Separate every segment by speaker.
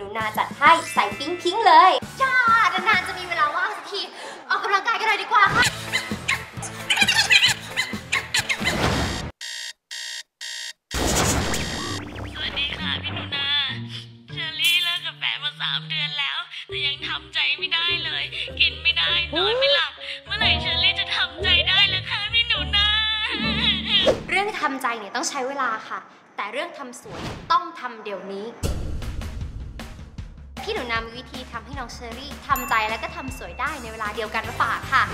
Speaker 1: นูนาจัดให้ใส่ปิ๊งพิงเลย
Speaker 2: จ้านานๆจะมีเวลาว่างสักทีออกกำลังกายกันหน่อยดีกว่าค่ะ
Speaker 3: สวัสดีค่ะพี่หนูนาเชอรี่เลิกกับแฟนมา3 เดือนแล้วแต่ยังทำใจไม่ได้เลยกินไม่ได้นอนไม่หลับเมื่อไหร่เชอรี่จะทำใจได้ล่ะคะพี่หนูนา
Speaker 1: เรื่องทำใจเนี่ยต้องใช้เวลาค่ะแต่เรื่องทำสวยต้องทำเดี๋ยวนี้พี่หนูนามีวิธีทำให้น้องเชอรี่ทำใจและก็ทำสวยได้ในเวลาเดียวกันมาฝากค่ะ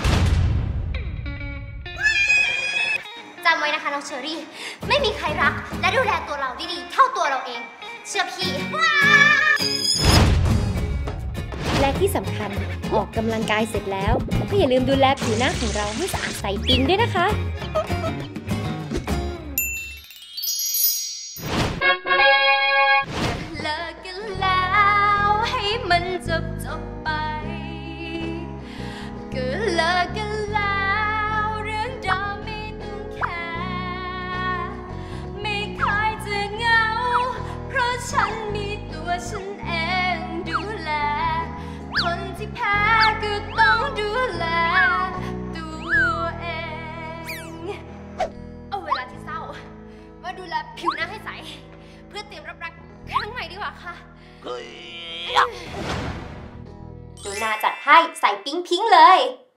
Speaker 1: จำไว้นะคะน้องเชอรี่ไม่มีใครรักและดูแลตัวเราได้ดีเท่าตัวเราเองเชื่อพี่และที่สำคัญออกกำลังกายเสร็จแล้วก็อย่าลืมดูแลผิวหน้าของเราให้สะอาดใสปิ๊งด้วยนะคะเลิกกันแล้วให้มันจบไปก็เลิกกันแล้วเรื่องราวไม่ต้องแคร์ไม่เคยจะเหงาเพราะฉันมีตัวฉันเองดูแลคนที่แพ้ก็ต้องดูแลตัวเองเอาเวลาที่เศร้ามาดูแลผิวหน้าให้ใสเพื่อเตรียมรับรักครั้งใหม่ดีกว่าค่ะหนูนาจัดให้ใส่ปิ๊งพิงเลย